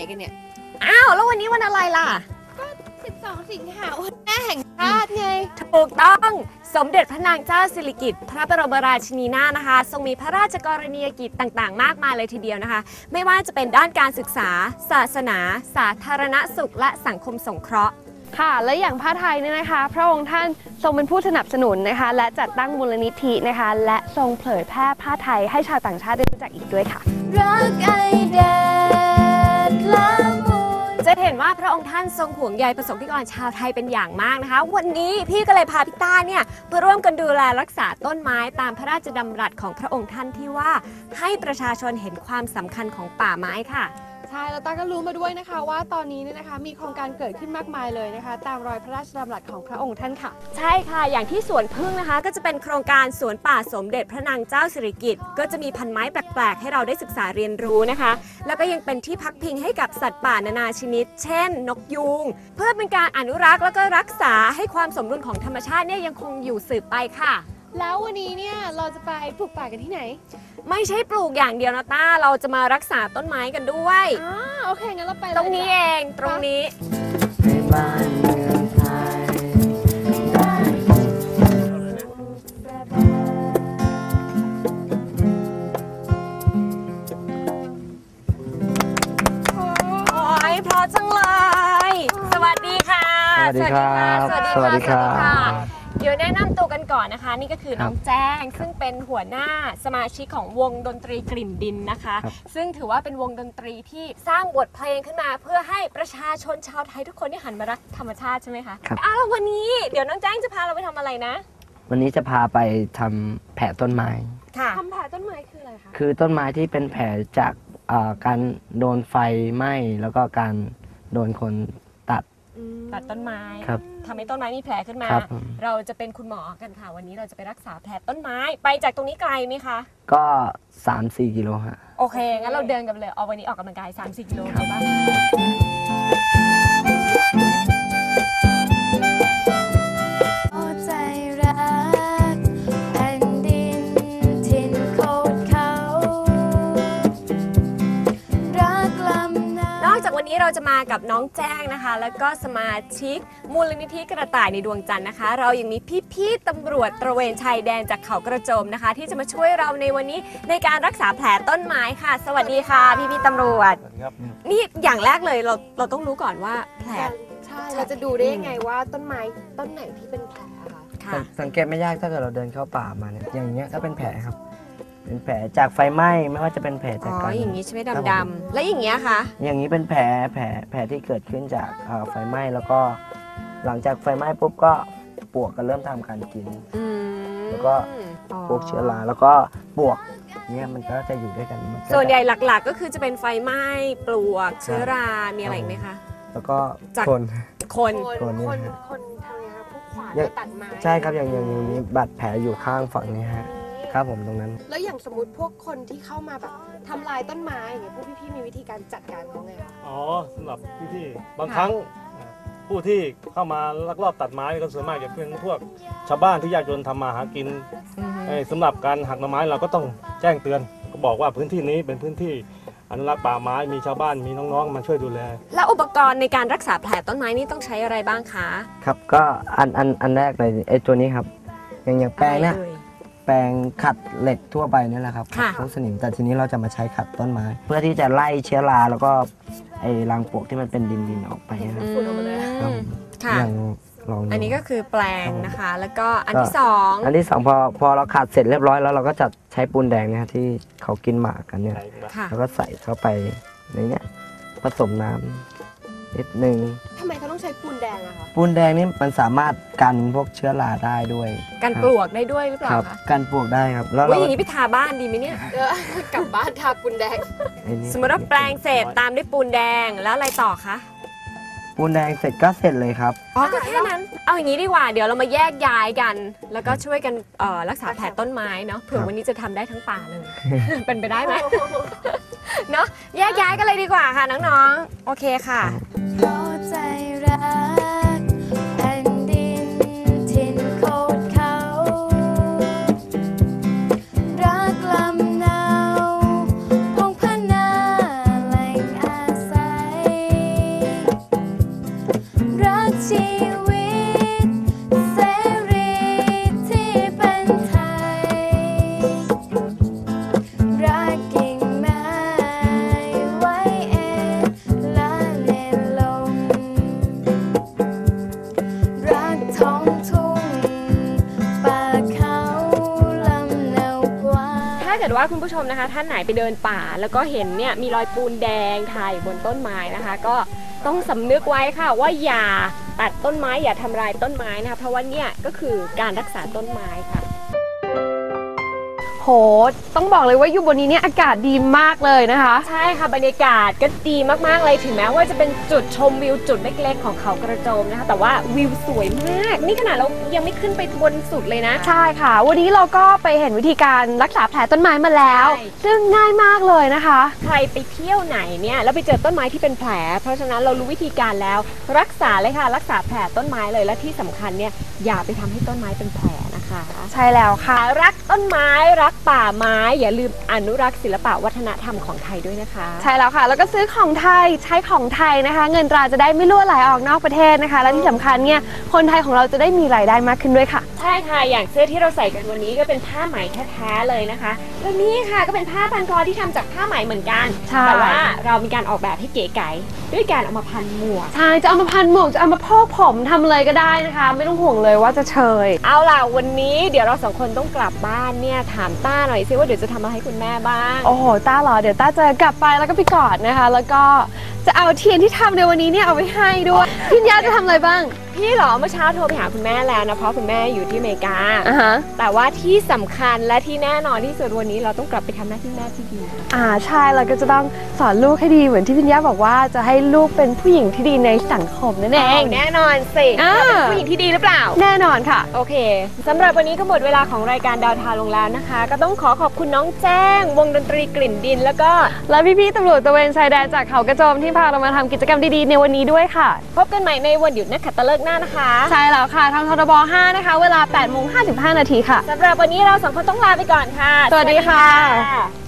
กันเนี่ยอ้าวแล้ววันนี้วันอะไรล่ะก็12 สิงหาคมวันแม่แห่งชาติไงถูกต้องสมเด็จพระนางเจ้าสิริกิติ์พระบรมราชินีนาถนะคะทรงมีพระราชกรณียกิจต่างๆมากมายเลยทีเดียวนะคะไม่ว่าจะเป็นด้านการศึกษาศาสนาสาธารณสุขและสังคมสงเคราะห์ค่ะและอย่างผ้าไทยเนี่ยนะคะพระองค์ท่านทรงเป็นผู้สนับสนุนนะคะและจัดตั้งมูลนิธินะคะและทรงเผยแพร่ผ้าไทยให้ชาวต่างชาติได้รู้จักอีกด้วยค่ะรักไอแดดละมุนจะเห็นว่าพระองค์ท่านทรงห่วงใยประสบนิกรชาวไทยเป็นอย่างมากนะคะวันนี้พี่ก็เลยพาพี่ต้าเนี่ยมาร่วมกันดูแลรักษาต้นไม้ตามพระราชดำรัสของพระองค์ท่านที่ว่าให้ประชาชนเห็นความสำคัญของป่าไม้ค่ะใช่แล้วต้าก็รู้มาด้วยนะคะว่าตอนนี้เนี่ยนะคะมีโครงการเกิดขึ้นมากมายเลยนะคะตามรอยพระราชดำรัสของพระองค์ท่านค่ะใช่ค่ะอย่างที่สวนพึ่งนะคะก็จะเป็นโครงการสวนป่าสมเด็จพระนางเจ้าสิริกิติ์ก็จะมีพันไม้แปลกๆให้เราได้ศึกษาเรียนรู้นะคะแล้วก็ยังเป็นที่พักพิงให้กับสัตว์ป่านานาชนิดเช่นนกยูงเพื่อเป็นการอนุรักษ์แล้วก็รักษาให้ความสมดุลของธรรมชาติเนี่ยยังคงอยู่สืบไปค่ะแล้ววันนี้เนี่ยเราจะไปปลูกป่ากันที่ไหนไม่ใช่ปลูกอย่างเดียวนะต้าเราจะมารักษาต้นไม้กันด้วยโอเคงั้นเราไปตรงนี้เองตรงนี้บ้านเมืองไทยโอ้ยพอจังเลยสวัสดีค่ะสวัสดีครับสวัสดีครับเดี๋ยวแนะนำตัวกันก่อนนะคะนี่ก็คือน้องแจ้งซึ่งเป็นหัวหน้าสมาชิกของวงดนตรีกลิ่นดินนะคะซึ่งถือว่าเป็นวงดนตรีที่สร้างบทเพลงขึ้นมาเพื่อให้ประชาชนชาวไทยทุกคนที่หันมารักธรรมชาติใช่ไหมคะแล้ววันนี้เดี๋ยวน้องแจ้งจะพาเราไปทำอะไรนะวันนี้จะพาไปทำแผลต้นไม้ทำแผลต้นไม้คืออะไรคะคือต้นไม้ที่เป็นแผลจากการโดนไฟไหม้แล้วก็การโดนคนตัดต้นไม้ทำให้ต้นไม้มีแผลขึ้นมาเราจะเป็นคุณหมอกันค่ะวันนี้เราจะไปรักษาแผลต้นไม้ไปจากตรงนี้ไกลไหมคะก็ 3-4 กิโลฮะโอเคงั้นเราเดินกันเลยวันนี้ออกกำลังกาย 3-4 กิโลไปบ้างวันนี้เราจะมากับน้องแจ้งนะคะแล้วก็สมาชิกมูลนิธิกระต่ายในดวงจันทร์นะคะเรายังมีพี่ๆตำรวจตระเวนชายแดนจากเขากระโจมนะคะที่จะมาช่วยเราในวันนี้ในการรักษาแผลต้นไม้ค่ะสวัสดีค่ะพี่ๆตำรวจนี่อย่างแรกเลยเราต้องรู้ก่อนว่าแผลใช่เราจะดูได้ยังไงว่าต้นไม้ต้นไหนที่เป็นแผลค่ะสังเกตไม่ยากถ้าเกิดเราเดินเข้าป่ามาเนี่ยอย่างเงี้ยก็เป็นแผลครับเป็นแผลจากไฟไหม้ไม่ว่าจะเป็นแผลจากการอย่างนี้ใช่ไหมดำๆแล้วอย่างเงี้ยคะอย่างนี้เป็นแผลที่เกิดขึ้นจากไฟไหม้แล้วก็หลังจากไฟไหม้ปุ๊บก็ปลวกก็เริ่มทำการกินแล้วก็พวกเชื้อราแล้วก็ปลวกเนี่ยมันก็จะอยู่ด้วยกันส่วนใหญ่หลักๆก็คือจะเป็นไฟไหม้ปลวกเชื้อรามีอะไรอีกไหมคะแล้วก็คนทำไงคะพวกขวานตัดไม้ใช่ครับอย่างนี้บาดแผลอยู่ข้างฝั่งนี้ฮะครับผมตรงนั้นแล้วอย่างสมมติพวกคนที่เข้ามาแบบทำลายต้นไม้อย่างเงี้ยพวกพี่ๆมีวิธีการจัดการเขาไงคะสำหรับพี่ๆบางครั้งผู้ที่เข้ามาลักลอบตัดไม้ก็ส่วนมากจะเป็นพวกชาวบ้านที่ยากจนทำมาหากินสำหรับการหักต้นไม้เราก็ต้องแจ้งเตือนก็บอกว่าพื้นที่นี้เป็นพื้นที่อนุรักษ์ป่าไม้มีชาวบ้านมีน้องๆมาช่วยดูแลแล้วอุปกรณ์ในการรักษาแผลต้นไม้นี่ต้องใช้อะไรบ้างคะครับก็อันแรกเลยไอ้ตัวนี้ครับอย่างแปรงเนี่ยแปรงขัดเหล็กทั่วไปนี่แหละครับพวกสนิมแต่ทีนี้เราจะมาใช้ขัดต้นไม้เพื่อที่จะไล่เชื้อราแล้วก็ไอ้รังปลวกที่มันเป็นดินออกไปนะครับอย่างอันนี้ก็คือแปรงนะคะแล้วก็อันที่ 2พอเราขัดเสร็จเรียบร้อยแล้วเราก็จะใช้ปูนแดงเนี่ยที่เขากินหมากกันเนี่ยแล้วก็ใส่เข้าไปในเนี้ยผสมน้ำนิดนึงทำไมเขาต้องใช้ปูนแดงอะคะปูนแดงนี่มันสามารถกันพวกเชื้อราได้ด้วยกันปลวกได้ด้วยหรือเปล่าคะกันปลวกได้ครับแล้วอย่างนี้ไปทาบ้านดีไหมเนี่ยกลับบ้านทาปูนแดงสมมติว่าแปรงเสร็จตามด้วยปูนแดงแล้วอะไรต่อคะปูนแดงเสร็จก็เสร็จเลยครับก็แค่นั้นเอาอย่างนี้ดีกว่าเดี๋ยวเรามาแยกย้ายกันแล้วก็ช่วยกันรักษาแผลต้นไม้เนาะเผื่อวันนี้จะทำได้ทั้งป่าเลยเป็นไปได้ไหมเนาะแยกย้ายกันเลยดีกว่าค่ะน้องๆโอเคค่ะใจรักแผ่นดินถิ่นโคตรเขารักลำนาวพงพนาแหล่งอาศัยชีวิตเสรีที่เป็นไทยรักกิ่งไม้ไว้เองและเน้นลงรักท้องทุ่งป่าเขาลำเนากว้างถ้าเกิดว่าคุณผู้ชมนะคะท่านไหนไปเดินป่าแล้วก็เห็นเนี่ยมีรอยปูนแดงถ่ายบนต้นไม้นะคะ ก็ต้องสำนึกไว้ค่ะว่าอย่าตัดต้นไม้อย่าทำลายต้นไม้นะคะเพราะว่าเนี่ยก็คือการรักษาต้นไม้ค่ะโหต้องบอกเลยว่าอยู่บนนี้เนี่ยอากาศดีมากเลยนะคะใช่ค่ะบรรยากาศก็ดีมากๆเลยถึงแม้ว่าจะเป็นจุดชมวิวจุดเล็กๆของเขากระโจมนะคะแต่ว่าวิวสวยมากนี่ขนาดเรายังไม่ขึ้นไปบนสุดเลยนะใช่ค่ะ วันนี้เราก็ไปเห็นวิธีการรักษาแผลต้นไม้มาแล้วใช่ซึ่งง่ายมากเลยนะคะใครไปเที่ยวไหนเนี่ยแล้วไปเจอต้นไม้ที่เป็นแผล เพราะฉะนั้นเรารู้วิธีการแล้ว รักษาเลยค่ะรักษาแผลต้นไม้เลยและที่สำคัญเนี่ยอย่าไปทำให้ต้นไม้เป็นแผลนะคะใช่แล้วค่ะรักต้นไม้รักป่าไม้อย่าลืมอนุรักษ์ศิลปะวัฒนธรรมของไทยด้วยนะคะใช่แล้วค่ะ แล้วก็ซื้อของไทยใช้ของไทยนะคะ เงินตราจะได้ไม่รั่วไหลออกนอกประเทศนะคะ และที่สำคัญเนี่ยคนไทยของเราจะได้มีรายได้มากขึ้นด้วยค่ะใช่ค่ะอย่างเสื้อที่เราใส่กันวันนี้ก็เป็นผ้าไหมแท้ๆเลยนะคะแล้วนี่ค่ะก็เป็นผ้าพันคอที่ทำจากผ้าไหมเหมือนกันใช่แต่ว่าเรามีการออกแบบให้เก๋ไก๋ด้วยการเอามาพันหมวกใช่จะเอามาพันหมวกจะเอามาพอกผมทำเลยก็ได้นะคะ ไม่ต้องห่วงเลยว่าจะเชยเอาล่ะวันนี้เดี๋ยวเราสองคนต้องกลับบ้านเนี่ยถามต้าหน่อยซิว่าเดี๋ยวจะทำอะไรให้คุณแม่บ้างโอ้โหต้าเหรอเดี๋ยวต้าจะกลับไปแล้วก็ไปกอดนะคะ แล้วก็จะเอาเทียนที่ทำในวันนี้เนี่ยเอาไว้ให้ด้วยพี่ยาจะทำอะไรบ้างพี่เหรอเมื่อเช้าโทรไปหาคุณแม่แล้วนะเพราะคุณแม่อยู่ที่อเมริกาอ่าฮะแต่ว่าที่สำคัญและที่แน่นอนที่สุดวันนี้เราต้องกลับไปทำหน้าที่แม่ที่ดีใช่เราก็จะต้องสอนลูกให้ดีเหมือนที่พี่ยาบอกว่าจะให้ลูกเป็นผู้หญิงที่ดีในสังคมนั่นเองแน่นอนสิอ่าเป็นผู้หญิงที่ดีหรือเปล่าแน่นอนค่ะโอเคสำหรับวันนี้ก็หมดเวลาของรายการดาวทาวลงแล้วนะคะ ก็ต้องขอขอบคุณน้องแจ้ง วงดนตรีกลิ่นดินแล้วก็และพี่ๆตำรวจตระเวนชายแดนจากเขากระโจมที่พาเรามาทำกิจกรรมดีๆในวันนี้ด้วยค่ะพบกันใหม่ในวันหยุดนักขัตฤกษ์หน้านะคะใช่แล้วค่ะทางททบ 5 นะคะ เวลา 8:55 นาทีค่ะสำหรับวันนี้เราสองคนต้องลาไปก่อนค่ะสวัสดีค่ะสวัสดีค่ะ